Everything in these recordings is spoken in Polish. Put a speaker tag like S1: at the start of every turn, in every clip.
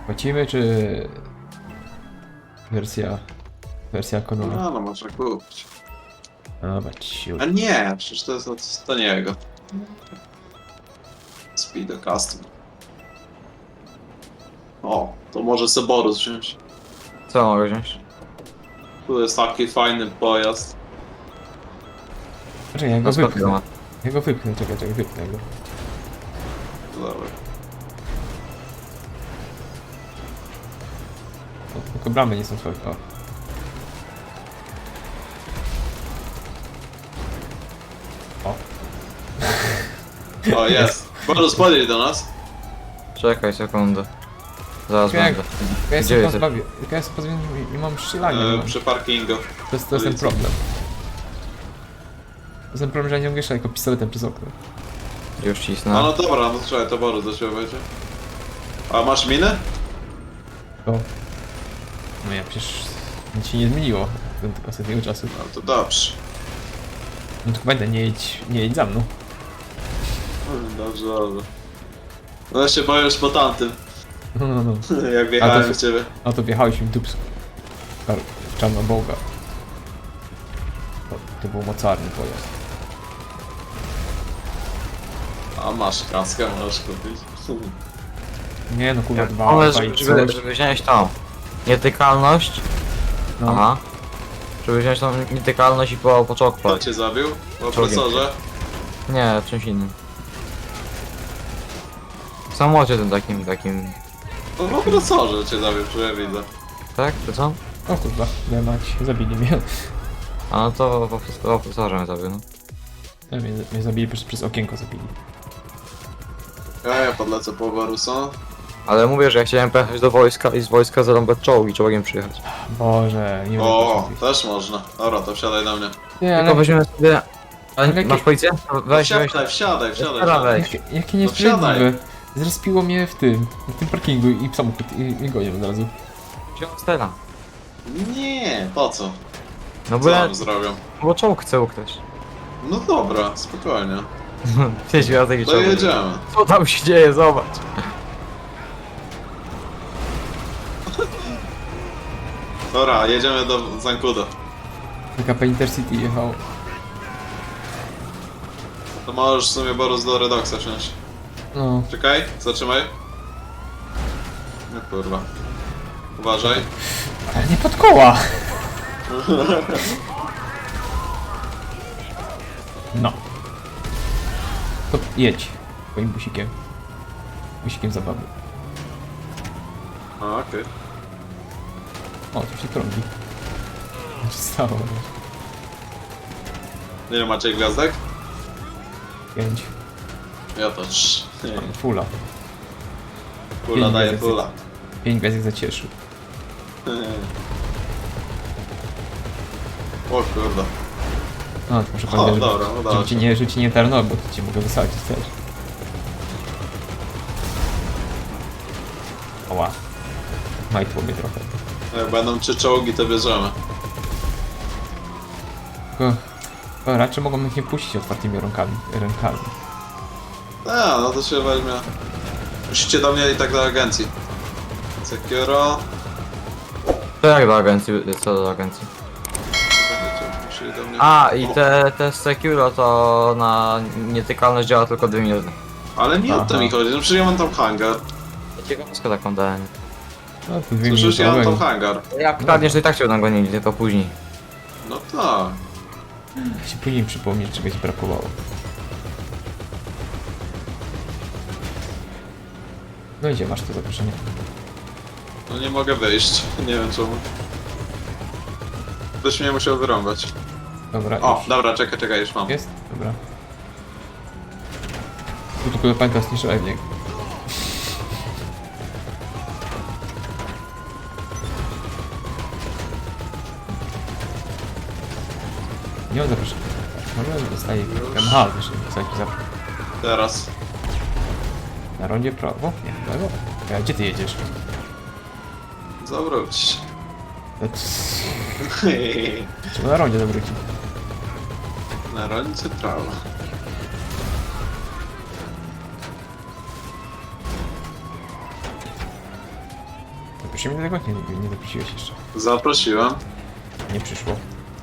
S1: Płacimy, czy... Wersja ekonomiczna?
S2: No, można kupić.
S1: Dobra, ciu.
S2: A nie, przecież to nie jego. Speedo Custom. O, to może Seborus wziąć.
S3: Co mogę wziąć?
S2: Tu jest taki fajny pojazd.
S1: Czekaj, ja go
S3: No skąd
S1: wypchnę.
S3: ma?
S1: Ja go wypchnę, czekaj, wypchnę go.
S2: Dobra.
S1: O, tylko bramy nie są twoje. O.
S2: O, jest. Borus, podjedź do nas.
S3: Czekaj sekundę. Zaraz
S1: Jak-
S3: będę.
S1: Ja
S3: Gdzie
S1: jestem
S3: jesteś?
S1: ja jestem pozbawiony, nie mam strzelania, nie mam.
S2: Przy parkingu.
S1: To jest ten
S2: policji.
S1: problem. To jest ten problem, że ja nie mogę strzelać tylko pistoletem przez okno.
S3: Już
S2: No,
S3: cisnę.
S2: no dobra, no słuchaj, to Borus do ciebie będzie. A masz minę?
S1: To... No ja przecież nic się nie zmieniło od ostatniego czasu.
S2: No to dobrze.
S1: No tylko będę, nie jedź za mną.
S2: Dobrze, dobrze. No ja się boisz po tamtym,
S1: No.
S2: jak wjechałem
S1: to-
S2: w ciebie.
S1: No to wjechałeś mi w dupsku. Czarnoboga. To był mocarny pojazd.
S2: A masz kaskę, możesz kupić.
S1: Nie no kurwa, dwa
S3: Ale
S1: i
S3: żeby
S1: coś.
S3: wziąć tą nietykalność.
S1: No.
S3: Aha. Żeby wziąć tą nietykalność i po
S2: Kto
S3: czokpać.
S2: cię zabił? Po opresorze?
S3: Nie, w czymś innym. W samochodzie tym takim.
S2: No po opresorze cię zabił, że ja widzę.
S3: Tak? To co?
S1: O kurwa, nie mać, zabili mnie.
S3: A no to po profesorze mnie zabił, no.
S1: Mnie zabili przez okienko zabili.
S2: Ja podlecę po Borusa.
S3: Ale mówię, że ja chciałem pojechać do wojska i z wojska zarąbać czołg i czołgiem przyjechać.
S1: Boże, nie
S2: O,
S1: mogę
S2: też można. Dobra, to wsiadaj do mnie.
S1: Nie,
S3: Tylko weźmiemy sobie... A,
S1: Ale
S3: masz policję? Weź.
S2: Wsiadaj.
S3: Dobra, weź.
S1: Jakie
S2: No
S1: niesprawiedliwe.
S2: wsiadaj.
S1: Zrespiło mnie na tym parkingu i samochód i gonią od razu.
S3: Wziął Stella.
S2: Nie, po co?
S3: No
S2: Co
S3: bo ja...
S2: nam zrobią?
S3: Bo czołg chce ukryć.
S2: No dobra, spokojnie.
S3: 5 razy taki
S2: To
S3: czołg.
S2: jedziemy.
S3: Co tam się dzieje? Zobacz.
S2: Dobra, jedziemy do Zankudo.
S1: PKP Intercity jechał.
S2: To możesz w sumie Borus do Redoxa wsiąść.
S1: No,
S2: Czekaj, zatrzymaj. No kurwa. Uważaj.
S1: ale nie pod koła! No. To jedź. Twoim busikiem. Busikiem zabawy.
S2: A, okej.
S1: O, tu się trąbi. Co się stało?
S2: Ile macie gwiazdek?
S1: 5.
S2: Ja to 3.
S1: Fula.
S2: Pula daje pula.
S1: 5 gwiazdek zacieszył.
S2: O kurde.
S1: No, to muszę
S2: O,
S1: pamiętać,
S2: dobra, udało
S1: żeby
S2: się.
S1: ci nie tarno, bo to cię mogę wysadzić też. Oła. Majtło mnie trochę.
S2: Jak będą 3 czołgi, to bierzemy.
S1: Tylko raczej mogą ich nie puścić otwartymi rękami.
S2: A, no to się weźmie. Musicie do mnie i tak do agencji. Securo.
S3: To jak do agencji? Co do agencji?
S2: Musieli do mnie...
S3: A, i
S2: O,
S3: te Securo to na nietykalność działa tylko 2 minuty.
S2: Ale nie o to
S1: Aha.
S2: mi chodzi, no przecież ja mam tam hangar.
S3: Ciekawostka taką dałem.
S1: No to 2
S2: Przecież ja mam
S1: minuty.
S2: tam hangar.
S3: Jak kradniesz, to i tak cię nagonili, tylko później.
S2: No tak.
S1: Się później przypomnieć, czegoś brakowało. No idzie, masz to zaproszenie.
S2: No nie mogę wyjść. Nie wiem czemu. Ktoś mnie musiał wyrąbać.
S1: Dobra,
S2: O,
S1: już.
S2: dobra, czekaj, już mam.
S1: Jest? Dobra. Tu tylko pamiętasz, nie strzelaj w niego. Nie mam zaproszenia. Może dostaję MH, też nie chcę jakiś zaproszenie.
S2: Teraz.
S1: Na rondzie w prawo? Nie, w lewo. A gdzie ty jedziesz?
S2: Zawróć.
S1: Trzeba na rondzie zawrócić.
S2: Na rolnicy prawo.
S1: Czy mnie do tego nie doprosiłeś jeszcze?
S2: Zaprosiłem.
S1: Nie przyszło.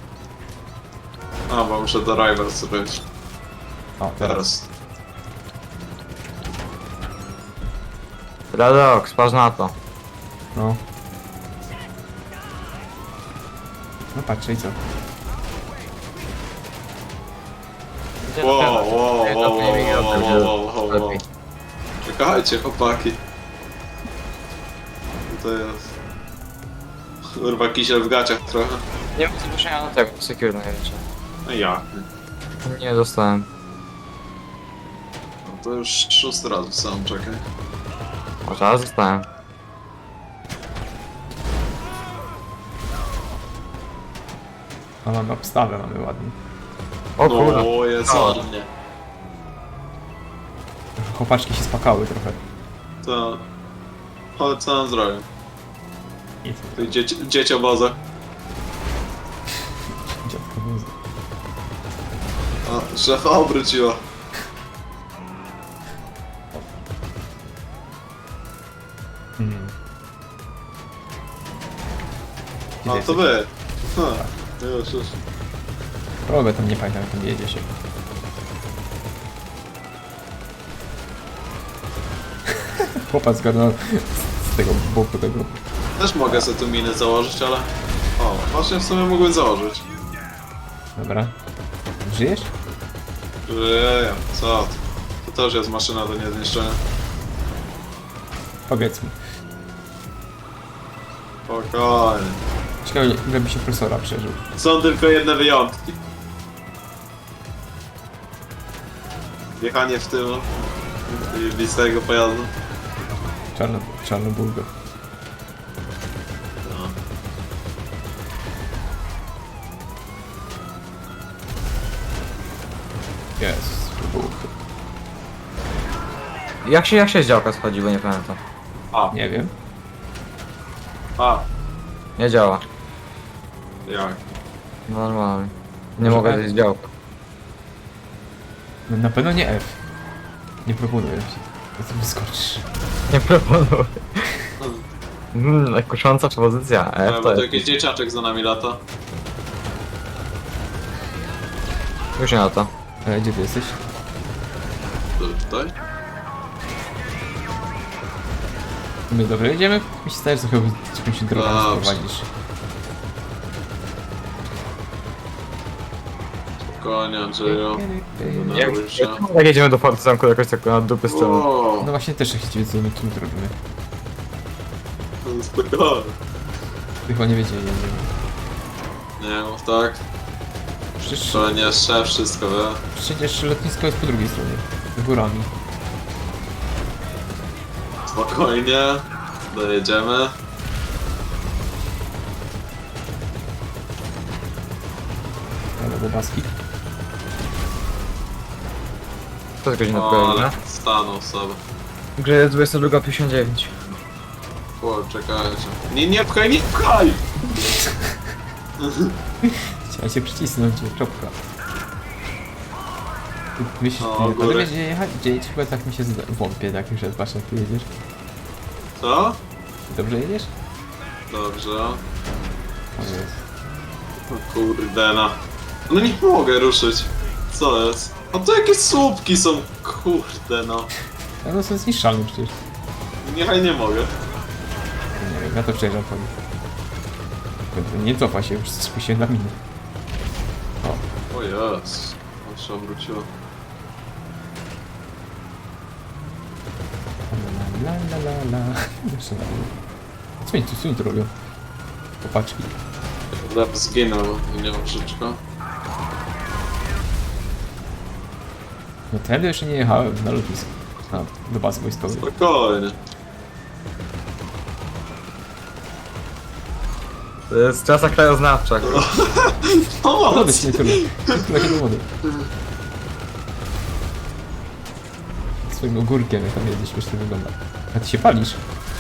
S2: A, bo muszę do Rivals zrobić.
S1: O, teraz.
S2: Teraz.
S3: Redox, patrz na to.
S1: No. No patrzcie i co?
S2: Wow. Czekajcie, chłopaki. To jest... Kurwa, kisiel w gaciach trochę.
S3: Nie mam zgłoszenia do tego, secure największe.
S2: No jak?
S3: Nie dostałem.
S2: No to już 6 razy sam, czekaj.
S3: O, teraz dostałem.
S1: A mamy obstawę, mamy ładnie.
S3: O kurde.
S2: No, jest
S3: No.
S2: ładnie.
S1: Chłopaczki się spakały trochę.
S2: To... Ale co nam zrobię?
S1: Nic.
S2: Ty dzieci oboza.
S1: Dziadka wóz.
S2: A, szefa obróciła.
S1: Hmm. Gdzie
S2: A,
S1: ty
S2: to
S1: jesteś?
S2: wy. Ha, już.
S1: Drogę tam nie pamiętam, jak tam jedzie się. Chłopak zgarnął z tego boku tego.
S2: Też mogę sobie tu miny założyć, ale... O, właśnie w sumie mógłbym założyć.
S1: Dobra. Żyjesz?
S2: Żyję, co ty? To też jest maszyna do niezniszczenia.
S1: Powiedz mi.
S2: Spokojnie.
S1: Ciekawe, ile by się profesora przeżył.
S2: Są tylko jedne wyjątki. Wjechanie w tył i blistego pojazdu.
S1: Czarnobulgo.
S2: No.
S1: Jest. Bulgo.
S3: Jak się z działka schodzi, bo nie pamiętam.
S2: A,
S1: Nie wiem.
S3: Nie działa.
S2: jak?
S3: No normalnie. Nie
S1: Może
S3: mogę
S1: F?
S3: zejść z działka.
S1: No, na pewno nie F. Nie proponuję ci. To co wyskoczysz.
S3: Nie proponuję. Kusząca pozycja. F
S2: Bo
S3: to
S2: to
S3: jest.
S2: jakiś dzieciaczek za nami lata.
S3: Już nie na to.
S1: Gdzie ty jesteś?
S2: Tutaj?
S1: My dobrze jedziemy? Mi się zdaje, że trochę jakimś drogą
S2: Dobrze.
S1: prowadzisz.
S2: Spokojnie, Andrzeju.
S3: Jak jedziemy do Forty Zamku jakoś tak na dupy strony.
S2: O,
S1: No właśnie też chcecie wiedzieć, co my tu robimy.
S2: spokojnie.
S1: Chyba nie wiedzieli, nie wiem.
S2: Nie mów tak.
S1: Przecież,
S2: To nie szef, wszystko wie.
S1: przecież lotnisko jest po drugiej stronie. Z górami.
S2: Spokojnie. Dojedziemy.
S1: Ale bobaski.
S3: To jest godzina
S2: O,
S3: pokoju,
S2: ale stanął sobie.
S3: Grze jest 22:59.
S2: O, czekajcie. Nie pchaj, nie pchaj!
S1: Chciałem się przycisnąć, czopka. Ty myślisz,
S2: O,
S1: ale
S2: góry.
S1: wiesz gdzie jechać? Gdzie jedziesz? Chyba tak mi się wątpię, tak już jest, patrz jak ty jedziesz.
S2: Co?
S1: Dobrze jedziesz?
S2: Dobrze.
S1: O jest.
S2: O kurde no. No nie mogę ruszyć. Co jest? A to jakieś słupki są, kurde no.
S1: A no są zniszczalne przecież.
S2: Niechaj nie mogę.
S1: Nie wiem, ja to przejeżdżam po nim. Kurde, nie cofa się, już spuściłem na minę. O,
S2: O jest. On się obróciło.
S1: la. Jeszcze na dół. Co oni tu robią? Popaczki.
S2: Lep zginął i nie mam życzka.
S1: No tędy jeszcze nie jechałem na lotnisko. Do bazy wojskowej.
S2: Spokojnie.
S3: To jest czasa krajoznawcza.
S1: Do
S2: Pomoc!
S1: wody się nie tyle. Takie do wody. Swoim ogórkiem jak tam jedzie, śmiesznie wygląda. A ty się palisz.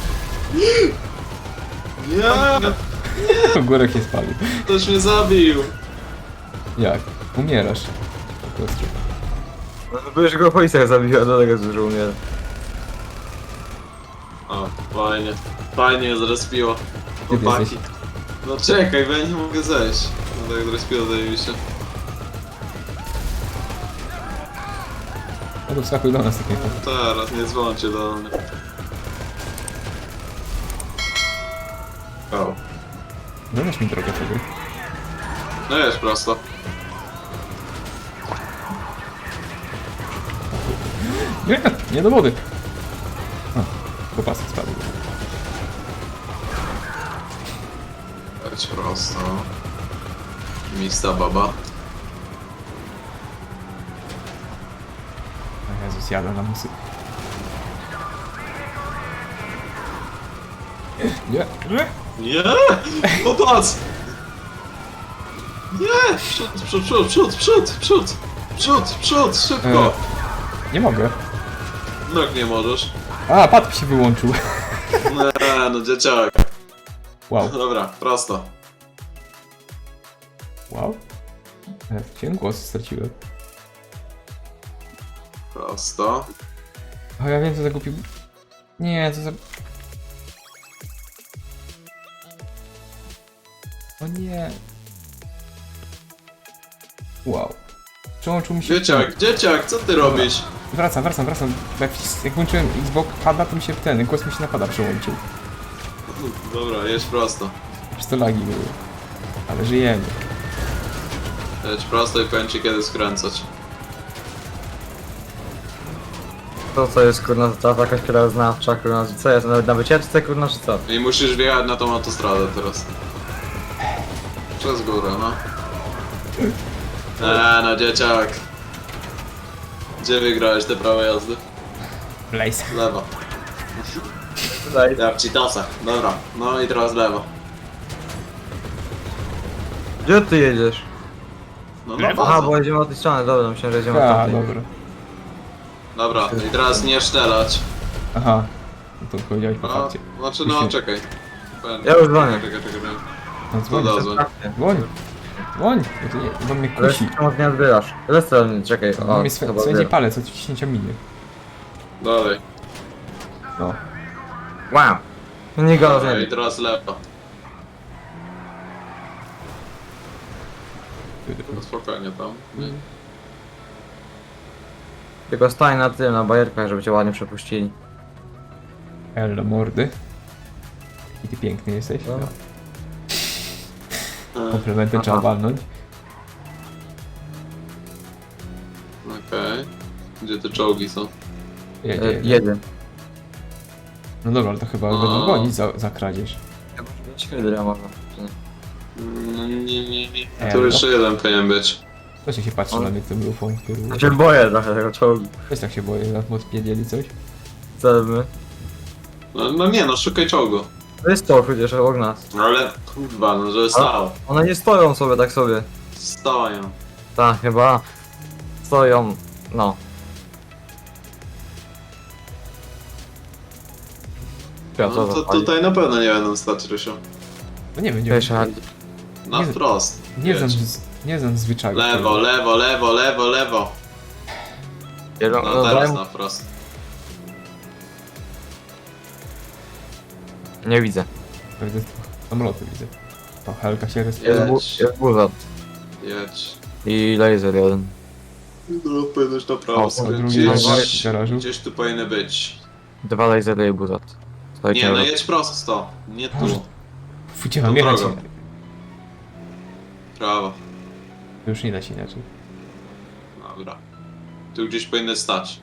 S2: Nie!
S1: Ogórek się spalił.
S2: Ktoś mnie zabił!
S1: Jak? Umierasz. Po prostu.
S3: No to już go policja zabiła, dlatego że umiera.
S2: O, fajnie. Fajnie zrespiło.
S1: Gdzie ty
S2: Chłopaki.
S1: jesteś?
S2: No czekaj, bo ja nie mogę zejść. No tak zrespiło, zajebiście.
S1: No to wskakuj do nas takiego.
S2: Teraz, nie dzwoncie do mnie. O.
S1: Zadasz mi drogę wtedy.
S2: No jest prosto.
S1: Nie, nie do wody. O, popasek spadł.
S2: Leć prosto. Mista baba.
S1: O Jezus, jadę na musy. Nie, nie.
S2: Nie! Popatrz! Nie! Przód, szybko!
S1: Nie mogę.
S2: No jak nie możesz.
S1: A, pad się wyłączył.
S2: Nie, no dzieciak.
S1: Wow,
S2: Dobra, prosto.
S1: wow. Chciałem głos, straciłem.
S2: Prosto.
S1: O, ja wiem co zagubił. Nie, co za... O nie. Wow. Przełączył mi się...
S2: Dzieciak, co ty robisz?
S1: Wracam. Jak włączyłem Xbox pada, to mi się głos mi się napada przełączył.
S2: Dobra, jedź prosto.
S1: Przez to lagi były. Ale żyjemy.
S2: Jedź prosto i powiem ci kiedy skręcać.
S3: To co jest kurna, to jakaś krajoznawcza, kurna, co jest, nawet na wycieczce kurna, czy co?
S2: I musisz wjechać na tą autostradę teraz. Przez górę, no. No dzieciak. Gdzie wygrałeś te prawe jazdy?
S1: Blaze.
S2: Lewo.
S3: Tutaj.
S2: Ja w Citasach. Dobra, no i teraz lewo.
S3: Gdzie ty jedziesz?
S2: No
S1: Lewo?
S3: Aha,
S2: bazę.
S3: bo jedziemy od tej strony, dobra, myślałem, że jedziemy od
S1: A,
S3: tamtej.
S1: dobra.
S2: Dobra, i teraz nie szczelać.
S1: Aha. No to powiedziałeś po
S2: No,
S1: fakcie.
S2: znaczy no czekaj.
S3: Ja już dzwonię.
S2: Czekaj.
S1: No dzwoń,
S2: No dzwoń.
S1: dzwoń. Dzwoń, bo to nie, bo mnie
S3: Ale
S1: kusi.
S3: czemu nie odbierasz? Ile stron, czekaj,
S1: Bo
S3: o,
S1: mnie
S3: chyba
S1: swędzi
S3: odbiera.
S1: palec od ciśnięcia miny.
S2: Dalej.
S1: No.
S3: Wow! Nie go
S2: Dobra, i
S3: rozumiem.
S2: teraz lewo. No spokojnie tam.
S3: Tylko stań na tym, na bajerkach, żeby cię ładnie przepuścili.
S1: Elo mordy. I ty piękny jesteś.
S3: No.
S1: No. Komplementy
S3: Aha.
S1: trzeba walnąć.
S2: Okej. Gdzie te czołgi są?
S1: Jedzie.
S3: Jeden.
S1: No dobra, ale to chyba
S2: No.
S1: będą gonić za kradzież.
S3: Ja może być hydra może. czy nie?
S2: No nie.
S1: Elo.
S2: Tu jeszcze jeden powinien być.
S1: Ktoś się patrzy
S3: On-
S1: na mnie tym lufą, który...
S3: Ja się boję trochę tego czołgu.
S1: Też tak się boję, na odpiedzieli coś.
S3: Co my?
S2: No nie no, szukaj czołgu.
S3: To jest czołg przecież obok nas.
S2: Ale kurwa, no że stał.
S3: One nie stoją sobie tak sobie.
S2: Stoją.
S3: Tak, chyba. Stoją. No. Ja
S2: No to tutaj na pewno nie będą stać, Rysiu.
S1: No nie wiem, nie
S3: Wiesz,
S1: wiem.
S2: Na
S1: Nie-
S2: wprost.
S1: Nie znam,
S2: Jedź.
S1: nie znam zwyczaju.
S2: Lewo. No teraz na wprost.
S3: Nie widzę.
S1: Pewnie samoloty widzę. O, Helka się
S2: Jedź.
S1: rozpędza.
S3: Jest buzat.
S2: Jedź.
S3: I laser jeden.
S2: No powinieneś na
S3: O,
S2: prawo
S3: a
S1: drugi
S2: skręcić.
S1: w garażu.
S2: Gdzieś tu powinny być.
S3: 2 lasery i buzat. Słuchajcie,
S2: Nie, no jedź prosto. Nie
S1: Boże.
S2: tu.
S1: Gdzie mam
S2: Tą
S1: jechać?
S2: drogą. Prawo.
S1: Już nie da się inaczej.
S2: Dobra. Tu gdzieś powinny stać.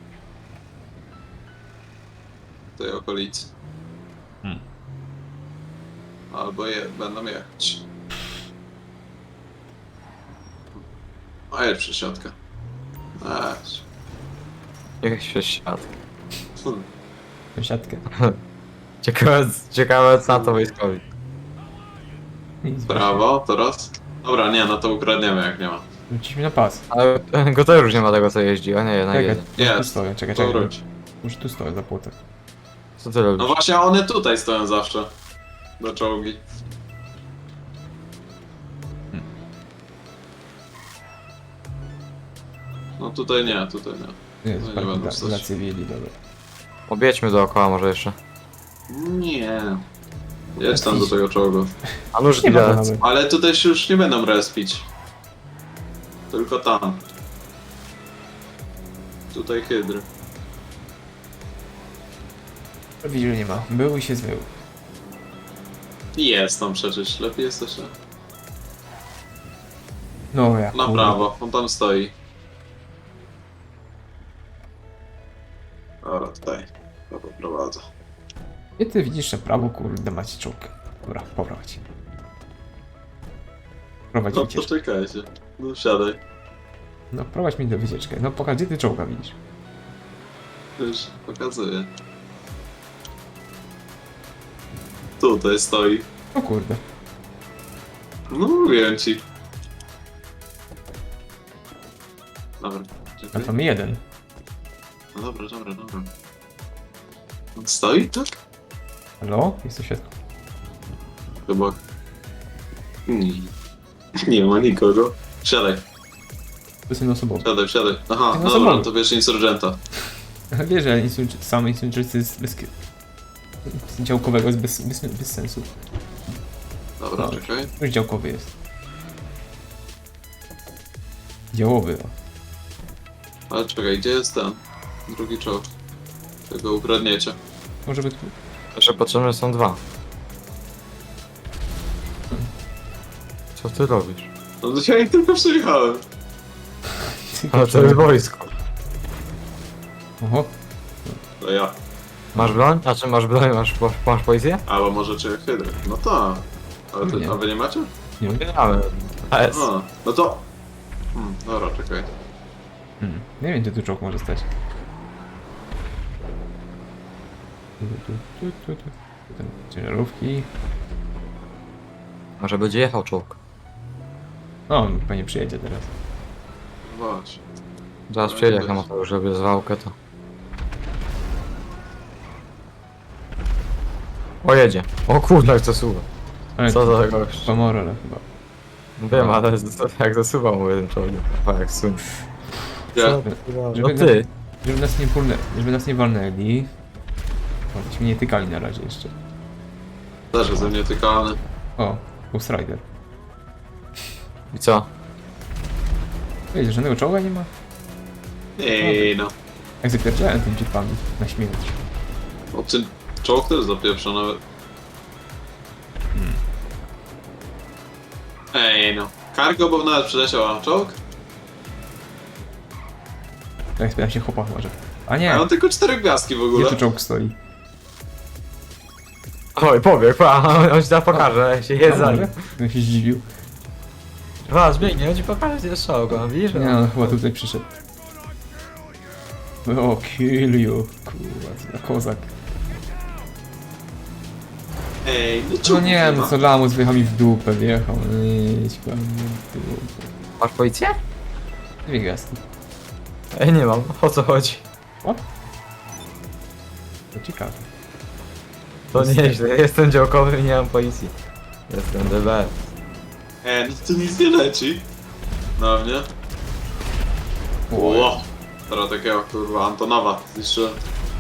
S2: W tej okolicy.
S1: Hmm.
S2: Albo będą jechać. A jedź przesiadka. Jedź.
S3: Jechać przez świat.
S1: Siatkę.
S3: Ciekawe co na to wojskowi.
S1: Nic.
S2: Prawo, teraz? Dobra, nie, no to ukradniemy jak nie ma.
S1: Wróciliśmy na pas.
S3: Ale go to już nie ma tego co jeździ, a nie, na
S1: Czekaj,
S3: jeden.
S1: już tu
S2: Jest.
S1: stoję, czekaj.
S2: Powróć.
S1: Już tu stoję za płotem.
S3: Co ty robisz?
S2: No właśnie, one tutaj stoją zawsze. Do czołgi. No tutaj nie, tutaj nie.
S1: Nie,
S2: No nie
S1: parking
S2: będą
S1: dla
S2: stać.
S1: cywili, dobra.
S3: Objedźmy dookoła może jeszcze.
S2: Nie. Jedź tam do tego czołgu.
S3: A nóż
S1: Nie ma go
S3: ile?
S1: nawet.
S2: Ale tutaj się już nie będą respić. Tylko tam. Tutaj hydry.
S1: Widzisz, że nie ma. Był i się zmył.
S2: I jest tam przecież, lepiej jest jeszcze.
S1: No jak.
S2: Na
S1: kurde.
S2: prawo, on tam stoi. Dobra, tutaj. To poprowadzę.
S1: I ty widzisz na prawo, kurde, macie czołg. Dobra, poprowadź. Prowadź
S2: No
S1: wycieczkę.
S2: poczekajcie. No wsiadaj.
S1: No prowadź mi do wycieczkę. No pokaż, gdzie ty czołga widzisz.
S2: Już pokazuję. Tutaj stoi.
S1: O kurde.
S2: No mówiłem ci. Dobra,
S1: A
S2: czekaj.
S1: to my jeden.
S2: No dobra, dobra, dobra. On stoi, tak?
S1: Halo? Jest światło.
S2: Chyba. Nie. Nie ma nikogo. Wsiadaj,
S1: To jest jednoosobowy.
S2: wsiadaj, wsiadaj. Aha,
S1: No
S2: no
S1: za
S2: dobra,
S1: mało.
S2: to bierz insurgenta.
S1: Wiesz, że sam insurgency jest bez... działkowego jest bez sensu.
S2: Dobra,
S1: No.
S2: czekaj.
S1: Już działkowy jest. Działowy, o.
S2: Ale czekaj, gdzie jest ten? Drugi czołg. Tego ukradniecie.
S1: Może by tu...
S3: Że potrzebne są dwa. Co ty robisz?
S2: No to ja ich tylko przyjechałem.
S3: Ale to jest wojsko.
S1: Oho,
S2: To ja.
S3: Masz broń? A czy masz broń? Masz policję?
S2: Albo może czy hydry. No tak. Ale ty,
S1: Nie.
S2: a wy nie macie?
S1: nie wiem.
S3: Nie mamy. AS.
S2: A, no to... dobra, czekaj.
S1: Nie wiem, gdzie tu czołg może stać. Potem ciężarówki.
S3: Może będzie jechał czołg.
S1: O, pewnie przyjedzie teraz.
S2: Właśnie.
S3: Zaraz przyjedzie jak na motorze, żeby zwałkę to. O jedzie. O kurde jak zasuwa.
S1: Ale
S3: Co za gość.
S1: Pomorole chyba.
S3: Wiem, ale jak zasuwał mu jeden czołg. A jak sun.
S2: Ja.
S3: No
S1: Żeby
S3: ty.
S1: Żeby nas nie walnęli. O, byśmy nie tykali na razie jeszcze.
S2: Też ze mnie tykany.
S1: O, Ghost Rider.
S3: I co?
S1: Wiecie, żadnego czołga nie ma?
S2: Ej, no.
S1: Jak zapierdziałem tymi jeepami na śmierć.
S2: O tym czołg też zapieprza nawet. Ej, no. Cargo, bo nawet przyleciał, a czołg?
S1: Tak spytam się chłopak może. A nie,
S2: A on tylko 4 gwiazdki w
S1: gdzie
S2: ogóle.
S1: tu czołg stoi?
S3: Oj, pobiegł, on ci tam pokaże, jak się
S1: A
S3: jest za nim.
S1: może? Ja się zdziwił.
S3: Was, biegnie, on ci pokaże, gdzie jest czołg, on widzisz?
S1: Nie no, chyba tutaj przyszedł. O, kill you. Kurwa, co za kozak.
S2: Ej, no
S1: No
S2: czołg
S1: nie, no
S2: ma.
S1: co Lamus wyjechał mi w dupę, wjechał. Idź pan w dupę.
S3: Masz policję?
S1: Dwie gwiazdki.
S3: Ej, nie mam, o co chodzi?
S1: O? To ciekawe.
S3: To nieźle, jestem działkowy i nie mam policji. Jestem DB.
S2: Ej, no tu nic nie leci. Na mnie. Ło. Teraz takiego kurwa Antonowa zniszczyłem.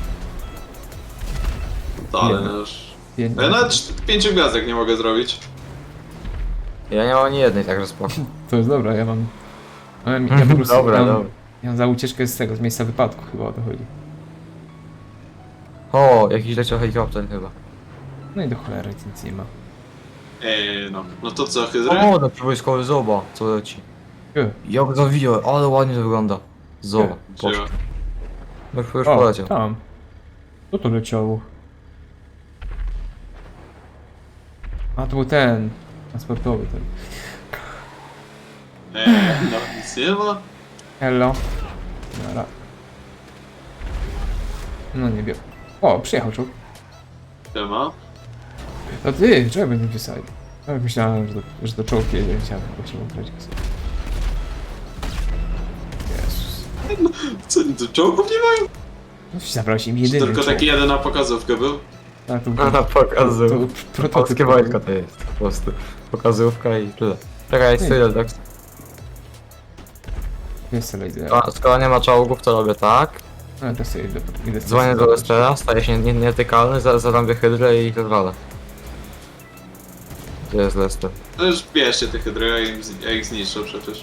S2: Ale
S1: Nie.
S2: no już.
S1: Jedna.
S2: Ja nawet 5 gwiazdek nie mogę zrobić.
S3: Ja nie mam ani jednej, także spoko.
S1: To jest dobra, ja mam... Ja po prostu...
S3: Dobra,
S1: ja mam,
S3: dobra.
S1: Ja mam za ucieczkę z tego, z miejsca wypadku chyba o to chodzi.
S3: O, jakiś leciał helikopter chyba.
S1: No i do cholery nic nie ma.
S2: Ej, no. No to co, hydry?
S3: O, no wojskowy zoba, co leci. Jak zawijał, ale ładnie to wygląda. Zoba, poszło.
S2: Gdzie?
S3: No już
S1: O,
S3: poleciał.
S1: tam. Co to leciało? A, to był ten. Transportowy ten.
S2: Ej, no nic nie ma.
S1: Hello. Nara. No nie wiem. O, przyjechał czołg.
S2: Nie ma.
S1: To ty, czego będę pisali? No, myślałem, że to czołg jedzie, chciałem właśnie ubrać go sobie. Jezus.
S2: Co, tu czołgów nie mają?
S1: No, zabrałeś im
S2: Czy
S1: jedyny
S2: tylko
S1: czołg.
S2: taki jeden na pokazówkę był?
S1: A, to,
S3: No na pokazu.
S1: to był prototyp.
S3: Polskie wojsko to jest, po prostu. Pokazówka i tyle. Czekaj, jest tyle, tak?
S1: Jest laser.
S3: A, skoro nie ma czołgów, to robię tak.
S1: Ale to sobie idę
S3: Dzwonię do Lestera, staję się nietykalny, zarąbię hydrę i rozwalę. Gdzie jest Lester?
S2: To już bierzcie te hydry, ja ich zniszczę przecież.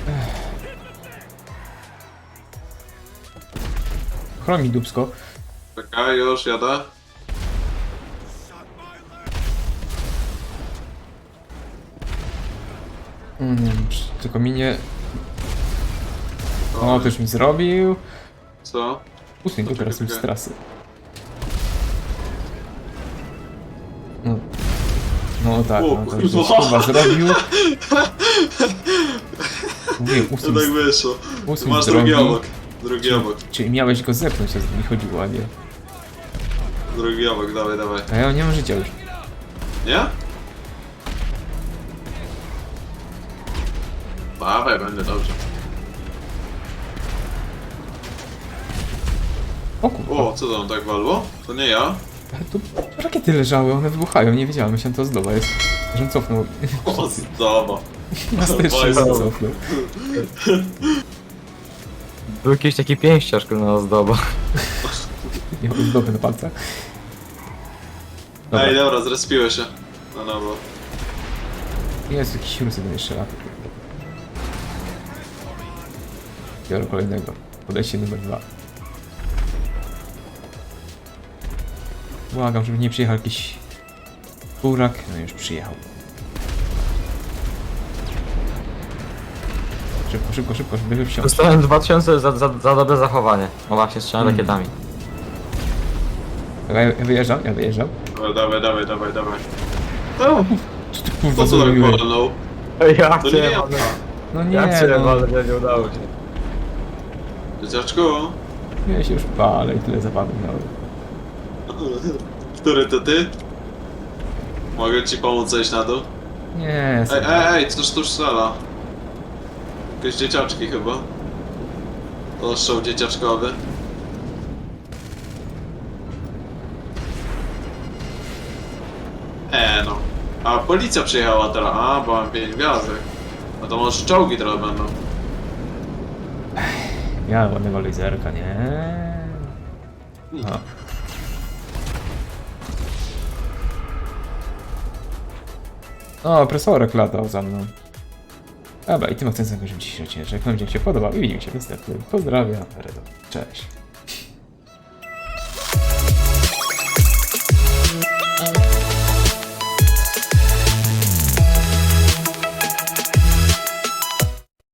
S1: Chromi dupsko.
S2: Czekaj, już jadę.
S1: Tylko mi nie... O, to już mi zrobił.
S2: Co?
S1: Usuń go teraz już z trasy. No. No tak,
S2: O,
S1: no to już
S2: kurwa.
S1: chyba zrobił. Mówię,
S2: To
S1: usuń,
S2: tak wyszło.
S1: usuń
S2: Masz
S1: z drogi.
S2: drugi obok. Drugi obok.
S1: Czyli miałeś go zepnąć, a mi chodziło, a nie.
S2: Drugi obok, dawaj, dawaj.
S1: A ja nie mam życia już.
S2: Nie? Dawaj, będzie dobrze.
S1: O kurwa.
S2: O, co tam tak walło? To nie ja?
S1: Ale tu rakiety leżały, one wybuchają, nie wiedziałem, myślałem to zdoba jest. Że on cofnął.
S2: O, zdoba.
S1: Masterszy
S2: Fajne.
S1: cofnął.
S3: Był jakiś taki pięściarz, kurna, ozdoba.
S1: Nie mam zdoby na palcach. Dobra,
S2: Ej, dobra, zrespiły się. Na nowo.
S1: jest jakiś rusy do jeszcze lat. Biorę kolejnego. Podejście numer 2. Błagam, żeby nie przyjechał jakiś burak. No już przyjechał. Szybko, szybko, szybko, żeby wsiąść.
S3: Dostałem 2000 za dobre zachowanie. No właśnie, strzelam rakietami.
S1: Ja wyjeżdżam, ja wyjeżdżam.
S2: Dobra, dawaj, dawaj, dawaj, dawaj. O,
S1: Co ty kurwa
S2: co to tak
S1: zrobiłeś?
S2: walnął?
S3: Ja
S2: To nie ja.
S1: No nie,
S3: Ja cię
S1: no.
S3: walę, nie udało się.
S2: Dzieciaczku?
S1: Ja się już palę i tyle zapadów miałem.
S2: Który to ty? Mogę ci pomóc zejść na dół?
S1: Nie,
S2: Ej, coś tu strzela. Jakieś dzieciaczki chyba. To show dzieciaczkowy. No. A policja przyjechała teraz. A, bo mam 5 gwiazdek. No to może czołgi teraz będą.
S1: ja ładnego laserka, nie? A. O, opresorek latał za mną. Dobra, i tym akcentem kończymy dzisiejszy odcinek. Mam nadzieję, że się podobał i widzimy się w następnym. Pozdrawiam, Redo. Cześć.